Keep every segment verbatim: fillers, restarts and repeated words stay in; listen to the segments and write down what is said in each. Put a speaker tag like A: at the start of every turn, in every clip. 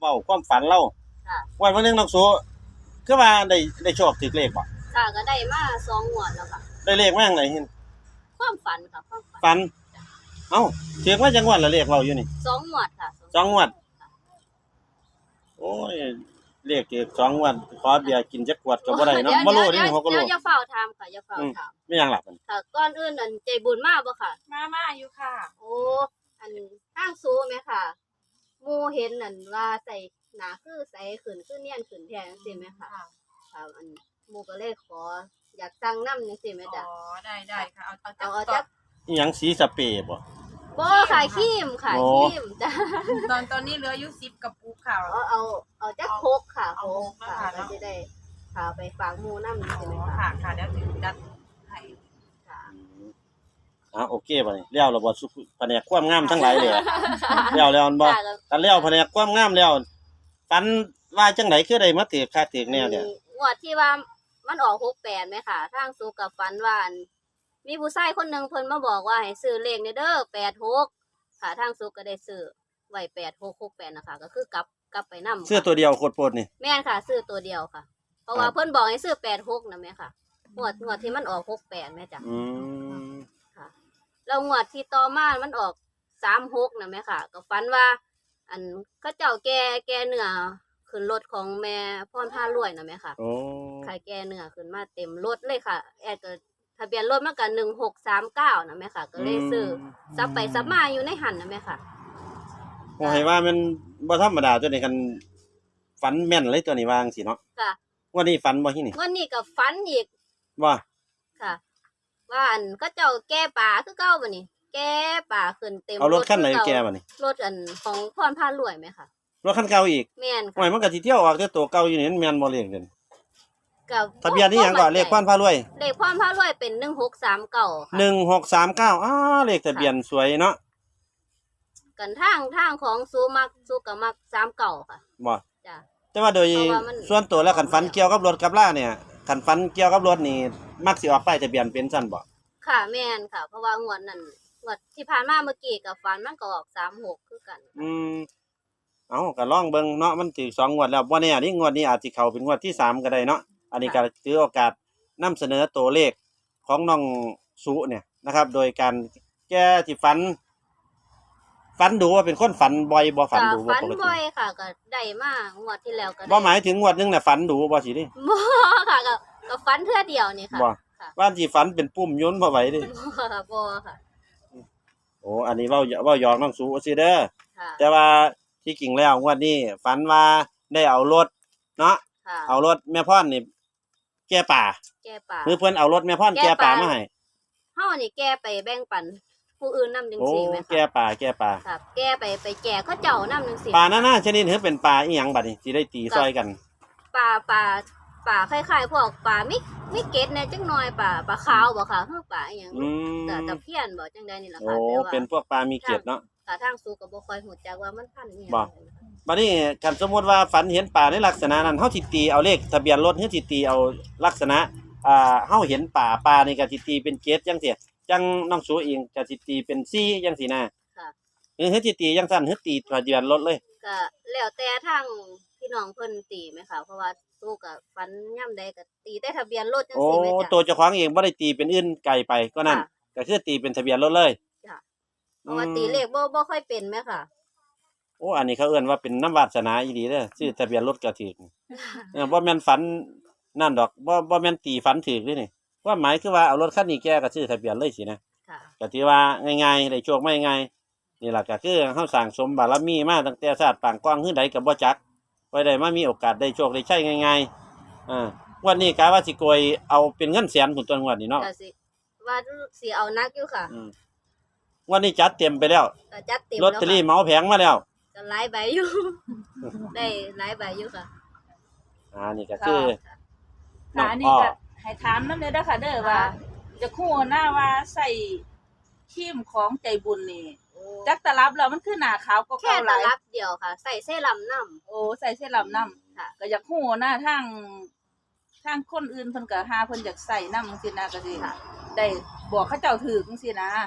A: ว้าความฝันเรา
B: ค่ะ
A: วันวันนึงน้องสูคือว่าได้ได้โชคถูกเลขบ่
B: ค่ะก็ได้มาสองงวดแล้วค่ะ
A: ได้เลขมาจังได๋เห็น
B: ความฝันค่ะความฝัน
A: ฝันเอ้าถูกมาจังงวดละเลขเว้าอยู่นี่
B: สองงวดค่ะ
A: สองงวดโอ้ยเลขถูกสองงวดขอเบียร์กินจักขวดก็บ่ได้เนาะบ่รู้นี่เขาก็รู้
B: เดี๋ยวอย่าเฝ้าถามค่ะอย่าเฝ้าถาม
A: ไม่หยังล่ะมัน
B: ค่ะก่อนอื่นนั่นใจบุญมาบ่ค่ะ
C: มามาอยู่ค่ะ
B: โอ้อันทางซูแม่ค่ะหมู่เห็นนั่นว่าใส่หน้าคือใสขึ้นคือเนียนขึ้นแท้จังซี่แม่ค่ะค่ะอันหมู่ก็เลยขออยากสั่งนำจังซี่แม่จ้ะ
C: อ๋อได้ๆค่ะเอาเอา
B: เอาเอาจัก
A: อีหยังสีสเปรย์บ่
B: บ่ค่ะครีมค่ะครีมจ้ะ
C: ตอนตอนนี้เหลืออยู่สิบกระปุกค่ะ
B: เอาเอาเอาจักโคกค่ะโคกค่ะเราจะได้พาไปฝากหมู่นำจังซี่แม่
C: ค่ะ
B: ค่ะ
C: ค่ะเดี๋ยวถึงดัดให้
B: ค่ะ
A: อ่าโอเคบัดนี้แล้วแล้วบ่สุแผนกความงามทั้งหลายเลยแล้วแล้วบ่กันแล้วแผนกความงามแล้วฝันว่าจังได๋คือได้มาถือค่าถือแนวเนี่ย
B: งวดที่ว่ามันออกหกแปดมั้ยค่ะทางสุกับฝันว่ามีผู้ชายคนนึงเพิ่นมาบอกว่าให้ซื้อเลขเด้อแปดหกค่ะทางสุก็ได้ซื้อไว้แปดหกหกแปดนะคะก็คือกลับกลับไปนำ
A: ซื้อตัวเดียวโคตรโพดนี่
B: แม่นค่ะซื้อตัวเดียวค่ะเพราะว่าเพิ่นบอกให้ซื้อแปดหกนะแม่ค่ะงวดงวดที่มันออกหกแปดแม่จ้ะ
A: อืม
B: ค่ะแล้วงวดที่ต่อมามันออกสามหกนะแม่ค่ะก็ฝันว่าอันเขาเจ้าแก่แก่เนื้อขึ้นรถของแม่พรพารวยนะแม่ค่ะ
A: โอ้
B: ขายแก่เนื้อขึ้นมาเต็มรถเลยค่ะแอดก็ทะเบียนรถมันก็หนึ่งหกสามเก้านะแม่ค่ะก็เลยซื้อซับไปซับมาอยู่ในหันนะแม่ค่ะ
A: โอ้ให้ว่ามันบ่ธรรมดาตัวนี้คันฝันแม่นเลยตัวนี้ว่าจังซี่เนาะ
B: ค่ะ
A: วันนี้ฝันบ่ที่นี่
B: วันนี้ก็ฝันอีก
A: ว่า
B: ค่ะว่าอันเขาเจ้าแก่ป่าคือเก่าบัดนี้แก่ป่าขึ้นเต็ม
A: เอารถคันไหนแก่บัดนี้
B: รถอันของพรพารวยมั้ยค่ะ
A: รถคันเก่าอีก
B: แม่นค่ะ
A: โอ้ยมันก็สิเที่ยวออกแต่ตัวเก่าอยู่นี่มันแม่นบ่เลขเด่น
B: ก็
A: ทะเบียนนี่หยังก็เลขพรพารวย
B: เลขพรพารวยเป็นหนึ่งหกสามเก้าค่ะ
A: หนึ่งหกสามเก้าอ้าเลขทะเบียนสวยเนาะ
B: กันทางทางของซูมักซูก็มักสามเก้าค่ะ
A: บ่
B: จ้ะ
A: แต่ว่าโดยส่วนตัวแล้วคันฝันเกี่ยวกับรถกับล่าเนี่ยคันฝันเกี่ยวกับรถนี่มักสิออกป้ายทะเบียนเป็นซั่นบ่
B: ค่ะแม่นค่ะเพราะว่างวดนั้นงวดที่ผ่านมาเมื่อกี้ก็ฝันมันก็ออกสามหกคือกัน
A: อืมเอ้าก็ลองเบิ่งเนาะมันถือสองงวดแล้วบ่แน่นี่งวดนี้อาจสิเข้าเป็นงวดที่สามก็ได้เนาะอันนี้ก็ถือโอกาสนำเสนอตัวเลขของน้องสุเนี่ยนะครับโดยการแก้ที่ฝันฝันดูว่าเป็นคนฝันบ่อยบ่ฝันดูบ่
B: ฝัน
A: ปกติ
B: บ่อยค่ะก็ได้มางวดที่แล้วก็
A: บ่หมายถึงงวดนึงน่ะฝันดูบ่สิดิ
B: บ่ค่ะก็ก็ฝันเทื่อเดียวนี่ค่ะ
A: บ่ว่าสิฝันเป็นปุ่มยนต์บ่ไหวดิ
B: บ่ค่ะบ่ค่ะ
A: โอ้อันนี้เว้าเว้าหยอกน้องสุซิเด้อ
B: ค่ะ
A: แต่ว่าที่จริงแล้วงวดนี้ฝันว่าได้เอารถเนาะเอารถแม่พรนี่แก่ป่า
B: แก่ป่า
A: คือเพิ่นเอารถแม่พรแก่ป่ามาให้
B: เฮานี่แก่ไปแบ่งปันผู้อื่นนำจังซี่แม่ค่ะ
A: โอ้แก่ป่าแก่ป่า
B: ครับแก่ไปไปแก่เขาเจ้านำจังซี่
A: ป่านานาชนิดคือเป็นป่าอีหยังบัดนี้สิได้ตีซอยกัน
B: ป่าป่าป่าคล้ายๆพวกป่ามิมิเกตแน่จังหน่อยป่าป่าขาวบ่ค่ะคือป่าอีหยังแต่ตะเพียนบ่จังได๋นี่ล่ะค่ะ
A: โอ้เป็นพวกป่ามีเกตเนาะ
B: ค่ะทางสู่ก็บ่ค่อยฮู้จักว่ามันพันธุ์อีหยัง
A: บ่บัดนี้คันสมมุติว่าฝันเห็นป่าในลักษณะนั้นเฮาสิตีเอาเลขทะเบียนรถเฮาสิตีเอาลักษณะอ่าเฮาเห็นป่าป่านี่ก็สิตีเป็นเกตจังซี่จังน้องสูเองก็สิตีเป็นสี่จังซี่นะ
B: ค่ะ
A: เฮ็ดสิตีจังซั่นเฮ็ดตีทะเบียนรถเลย
B: ก็แล้วแต่ทางพี่น้องเพิ่นตีไหมค่ะเพราะว่าสู้ก็ฝันยามใดก็ตีแต่ทะเบียนรถจังซี่แม่จ้ะ
A: โอ้ตัวเจ้าของเองบ่ได้ตีเป็นอื่นไกลไปก็นั่นก็คือตีเป็นทะเบียนรถเลย
B: จ้ะเพราะว่าตีเลขบ่บ่ค่อยเป็นแม่ค่ะ
A: โอ้อันนี้เขาเอิ้นว่าเป็นน้ำวาสนาอีหลีเด้อชื่อทะเบียนรถก็ถูกเออบ่แม่นฝันนั่นดอกบ่บ่แม่นตีฝันถูกเด้นี่ว่าหมายคือว่าเอารถคันนี้แกก็ชื่อทะเบียนเลยสินะ
B: ค่ะ
A: ก็ถือว่าง่ายๆได้โชคมาง่ายๆนี่ล่ะก็คือเฮาสร้างสมบารมีมาตั้งแต่ชาติปางกว้างคือใดก็บ่จักไว้ได้มามีโอกาสได้โชคได้ใช้ง่ายๆอ่าวันนี้กะว่าสิโกยเอาเป็นเงินแสนพุ่นตัวงวดนี้เนาะ
B: ก็สิว่าสิเอานักอยู่ค่ะ
A: อืมวันนี้จัดเต็มไปแล้ว
B: ก็จัดเต็ม
A: ลอตเตอรี่เหมาแผงมาแล้ว
B: ก็หลายใบอยู่ได้หลายใบอยู่ค่ะ
A: อ่านี่ก็คือ
C: ค่ะอันนี้ก็ให้ถามนำเด้อเด้อค่ะเด้อว่าจะคู่หน้าว่าใส่ครีมของใจบุญนี่จักตะลับแล้วมันคือหน้าขาวกว่าเก่าหลาย
B: แค่ตะลับเดียวค่ะใส่เซรั่มนำ
C: โอ้ใส่เซรั่มนำ
B: ค่ะ
C: ก็อยากฮู้นะทางทางคนอื่นเพิ่นก็หาเพิ่นอยากใส่นำจังซี่นะก็สิได้บอกเขาเจ้าถูกจังซี่นะ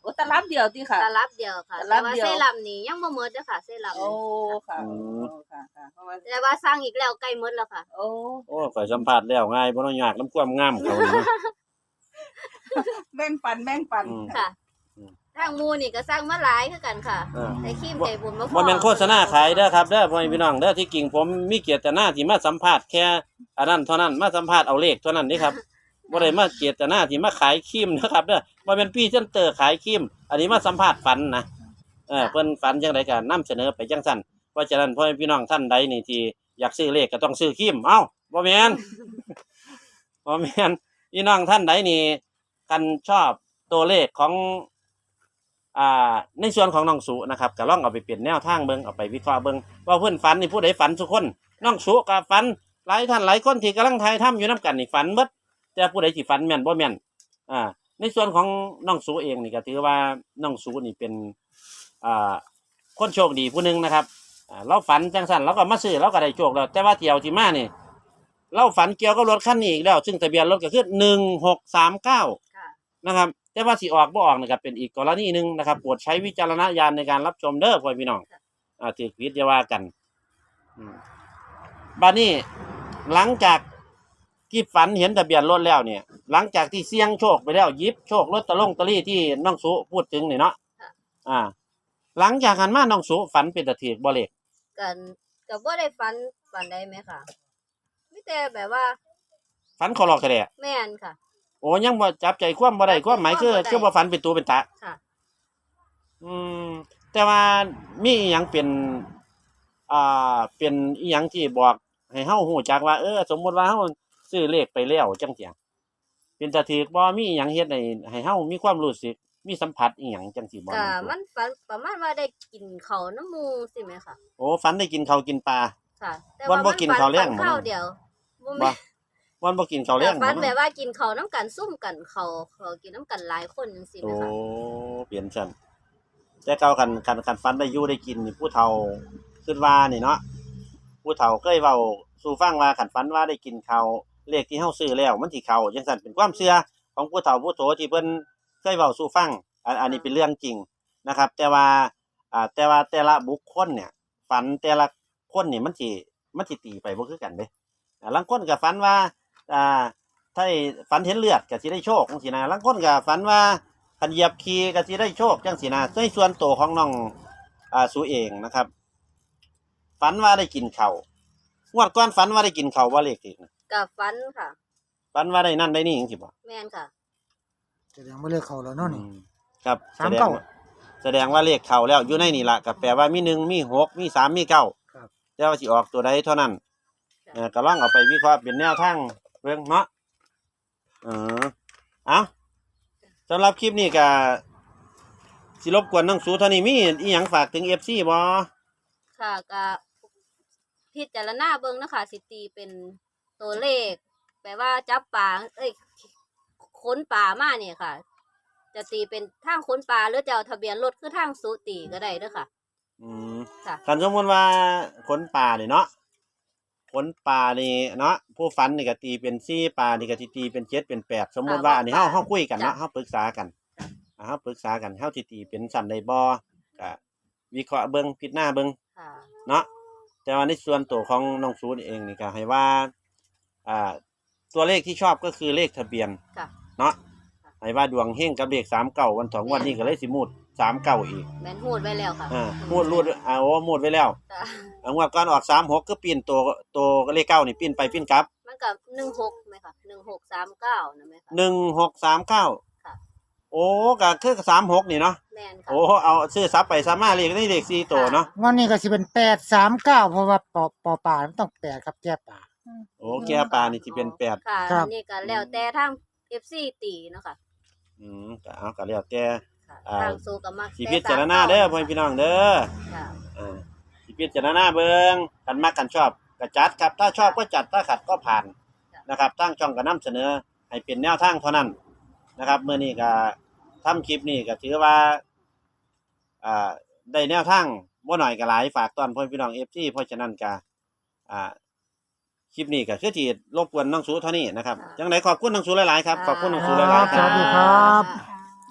C: โอ้ตลับเดียวติค่ะ
B: ตลับเดียวค่ะ
C: ตลั
B: แต่
C: บ
B: ว่า
C: เดียว
B: เซรั่มนี่ยังบ่หมดเด้อค่ะเซรั่ม
C: โอ้
B: นี่
C: ค่ะ
A: อื
C: โอ้
A: ม
C: ค่ะค่ะเพราะว่า
B: แต่ว่าสร้างอีกแล้วใกล้หมดแล้วค่ะ
C: โอ้
A: โอ้ข่อยสัมภาษณ์แล้วง่ายบ่ต้องยากน้ำความงามเขานี่เนาะ
C: แบ่งปันแบ่งปัน
A: อืม
B: ค่ะ
A: อืม
B: ทางหมูนี่ก็สร้างมาหลายคือกันค่ะ
A: เออ
B: แต่ขี้มใจบุญบ่พอ
A: บ่แม่นโฆษณาขายเด้อครับเด้อพ่อแม่พี่น้องเด้อที่จริงผมมีเกียรติหน้าที่มาสัมภาษณ์แค่อันนั้นเท่านั้นมาสัมภาษณ์เอาเลขเท่านั้นนี่ครับบ่ได้มาเกียรติหน้าที่มาขายครีมนะครับเด้อบ่แม่นพรีเซนเตอร์ขายครีมอันนี้มาสัมภาษณ์ฝันนะเออเพิ่นฝันจังไดก็นำเสนอไปจังซั่นเพราะฉะนั้นพ่อแม่พี่น้องท่านใดนี่ที่อยากซื้อเลขก็ต้องซื้อครีมเอ้าบ่แม่น บ่แม่นพี่น้องท่านใดนี่กันชอบตัวเลขของอ่าในส่วนของน้องสุนะครับก็ลองเอาไปเปลี่ยนแนวทางเบิ่งเอาไปวิเคราะห์เบิ่งว่าเพิ่นฝันนี่ผู้ใดฝันทุกคนน้องสุก็ฝันหลายท่านหลายคนที่กำลังถ่ายทำอยู่นํกันนี่ฝันเบิดแต่ผู้ใดสิฝันแม่นบ่แม่นอ่าในส่วนของน้องสุเองนี่ก็ถือว่าน้องสุนี่เป็นอ่าคนโชคดีผู้หนึงนะครับอ่าเราฝันจังซั่นเราก็มาซื้อเราก็ได้โชคแล้วแต่ว่าเที่ยวที่มานี่เราฝันเกี่ยวกับรถคันนี้อีกแล้วซึ่งทะเบียนรถก็คือหนึ่งหกสามเก้า
B: ค่ะ
A: นะครับแต่ว่าสิออกบ่ออกนะครับเป็นอีกกรณีหนึ่งนะครับโปรดใช้วิจารณญาณในการรับชมเด้อพ่อพี่น้องอ่าถือผิดอย่าว่ากันอืมบัดนี้หลังจากที่ฝันเห็นทะเบียนรถแล้วเนี่ย หลังจากที่เสี่ยงโชคไปแล้วหยิบโชคลอตเตอรี่ลอตเตอรี่ที่น้องสุพูดถึงนี่เนาะอ่า หลังจากหันมาน้องสุฝันเป็นตะถือบ่เลข
B: กันก็บ่ได้ฝันฝันใดไหมค่ะมีแต่แบบว่า
A: ฝันเขาหลอกกระแดะ
B: แม่นค่ะ
A: โอ้ยังบ่จับใจความบ่ได้ความหมายคือ
B: จับใจ
A: คือ
B: ความบ่ได้
A: บ่ฝันเป็นตัวเป็นตะ
B: ค่ะ
A: อืมแต่ว่ามีอีหยังเป็นอ่าเป็นอีหยังที่บอกให้เฮาฮู้จักว่าเออสมมุติว่าเฮาซื้อเลขไปแล้วจังซี่เป็นตาถูกบ่มีอีหยังเฮ็ดให้ให้เฮามีความรู้สึกมีสัมผัสอีหยังจังซี่บ่
B: ก็มันฝันประมาณว่าได้กินข้าวน้ำหมูสิแม่ค่ะ
A: โอ้ฝันได้กินข้าวกินปลา
B: ค่ะ แต่
A: วัน
B: ว่า
A: บ่
B: มัน
A: กิน
B: ฝัน
A: ข้าวแลง
B: ฝัน
A: บ่
B: ข้าวเดียวบ่
A: บ่
B: แม่น
A: วันบ่กินข้าวแลง
B: ฝัน
A: บ่
B: แบบว่ากินข้าวน้ำกันซุ่มกันเขาเขากินน้ำกันหลายคนจังซี่
A: โอ้
B: แม่ค่ะ
A: เปลี่ยนซั่นแต่เก่ากันคันคันฝันได้อยู่ได้กินนี่ผู้เฒ่าคิดว่านี่เนาะผู้เฒ่าเคยเว้าสู่ฟังว่าคันฝันว่าได้กินข้าวเลขที่เฮาซื้อแล้วมันสิเข้าจังซั่นเป็นความเชื่อของผู้เฒ่าผู้โตที่เพิ่นเคยเว้าสู่ฟังอันอันนี้เป็นเรื่องจริงนะครับ แต่ว่าอ่าแต่ว่าแต่ละบุคคลเนี่ย ฝันแต่ละคนนี่มันสิมันสิตีไปบ่คือกันเด้อ่าลางคนก็ฝันว่าอ่าถ้าฝันเห็นเลือดก็สิได้โชคจังซี่นะลางคนก็ฝันว่าคันเหยียบขี้ก็สิได้โชคจังซี่นะในส่วนตัวของน้องอ่าสุเองนะครับ ฝันว่าได้กินข้าวงวดก่อนฝันว่าได้กินข้าวบ่เลขอีกนะ
B: ก็ฝันค่ะ
A: ฝันว่าได้นั่นได้นี่จังซี่บ่
B: แม่นค่ะ
D: แสดงว่าเลขเขาแล้วเนาะนี่
A: อืมครับ
D: สาม
A: แสดง
D: เก้า
A: ว่าแสดงว่าเลขเข้าแล้วอยู่ในนี่ล่ะก็แปลว่ามีหนึ่งมีหกมีสามมีเก้า
D: ครับ
A: แต่ว่าสิออกตัวใดเท่านั้น เออก็ลองเอาไปวิเคราะห์เป็นแนวทางเบิ่งเนาะเออเอาสำหรับคลิปนี้ก็สิรบกวนน้องสูเท่านี้มีอีหยังฝากถึง เอฟ ซี บ่
B: ค่ะก็พิจารณาเบิ่งนะคะสิตีเป็นตัวเลขแปลว่าจับปลาเอ้ยค้นปลามาเนี่ยค่ะ จะตีเป็นทางค้นปลาหรือจะเอาทะเบียนรถคือทางสุตีก็ได้เด้อค่ะ
A: อืม
B: ค่ะ
A: คันสมมุติว่าขนป่านี่เนาะขนป่านี่เนาะผู้ฝันนี่ก็ตีเป็นสี่ป่านี่ก็สิตีเป็นเจ็ดเป็นแปดสมมุติว่าอันนี้เฮาเฮาคุยกันเนาะเฮาปรึกษากันอ่าเฮาปรึกษากันเฮาสิตีเป็นสั่นได้บ่ก็วิเคราะห์เบิ่งพิจารณาเบิ่ง
B: ค่ะ
A: เนาะแต่ว่าในส่วนตัวของน้องซูนเองนี่ก็ให้ว่าอ่าตัวเลขที่ชอบก็คือเลขทะเบียน
B: ค่ะ
A: เนาะให้ว่าดวงเฮงกับเลขสามเก้าวันสองวันนี้ก็เลยสิมูดสามเก้าอีก
B: แม่นหูดไว้แล้วค่ะ
A: อ่ามูดรูดอ่าโอ้มูดไว้แล้ว
B: ค่ะ
A: อังว่าก่อนออกสามหกก็ปีนตัวตัวเลขเก้านี่ปีนไปปีนกลับ
B: มันกับหนึ่งหกไหมคะหนึ่งหกสามเก้านะไหมคะ
A: หนึ่งหกสามเก้า
B: ค่ะ
A: โอ้ก็คือสามหกนี่เนาะ
B: แม่นค่ะ
A: โอ้เอาซื้อซับไปซับมาเลขนี่เลขสี่ตัวเนาะ
D: งอนนี้ก็สิเป็นแปดสามเก้าเพราะว่าปอปอป่ามันต้องแปดครับแก้ป่า
A: โอ้แก้ปลานี่ที่เป็นแปด
B: ค่ะ
D: ครับ
B: อันนี้ก็แล้วแต่ทาง เอฟ ซี ตีเนาะค่ะ
A: อืมก็เอาก็แล้วแต่
B: ค่ะ
A: อ่า
B: ทางสู้กับมัก
A: สิพิจารณาเด้อพ่อพี่น้องเด้อ
B: ค่ะ
A: อ่าสิพิจารณาเบิ่งกันมักกันชอบก็จัดครับถ้าชอบก็จัดถ้าขัดก็ผ่านนะครับตั้งช่องก็นำเสนอให้เป็นแนวทางเท่านั้นนะครับมื้อนี้ก็ทำคลิปนี้ก็ถือว่าอ่าได้แนวทางบ่น้อยก็หลายฝากตอนพ่อพี่น้อง เอฟ ซี เพราะฉะนั้นก็อ่าคลิปนี้ก็คือที่รบกวนน้องสูเท่านี้นะครับจังไดขอบคุณน้องสูหลายๆครับขอบคุณน้องสูหลายๆค
D: ส
A: รั
D: วั
A: บ
D: สดีครับ
A: น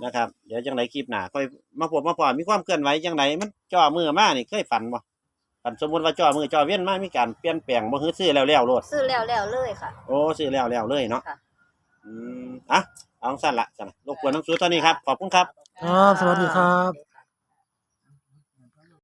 A: นะครับเดี๋ยวจังไดคลิปหน้าค่อยมาพบมาพอมีความเคลื่อนไหวจังไดมันจ่อมือมานี่เคยฝันบ่ฝันสมมุติว่าจ่อมือจ่อเวียนมามีการเปลี่ยนแปลงบ่คือซื้อแล้วแล้วโลด
B: ซื้อแล้วแล้วเลยค่ะ
A: โอ้ซื้อแล้วแล้วเลยเนาะ
B: ค่ะ
A: อืมอ่ะเอาสั้นละสั่นรบกวนน้องสูตอนนี้ครับขอบคุณครับ
D: ครับสวัสดีครับ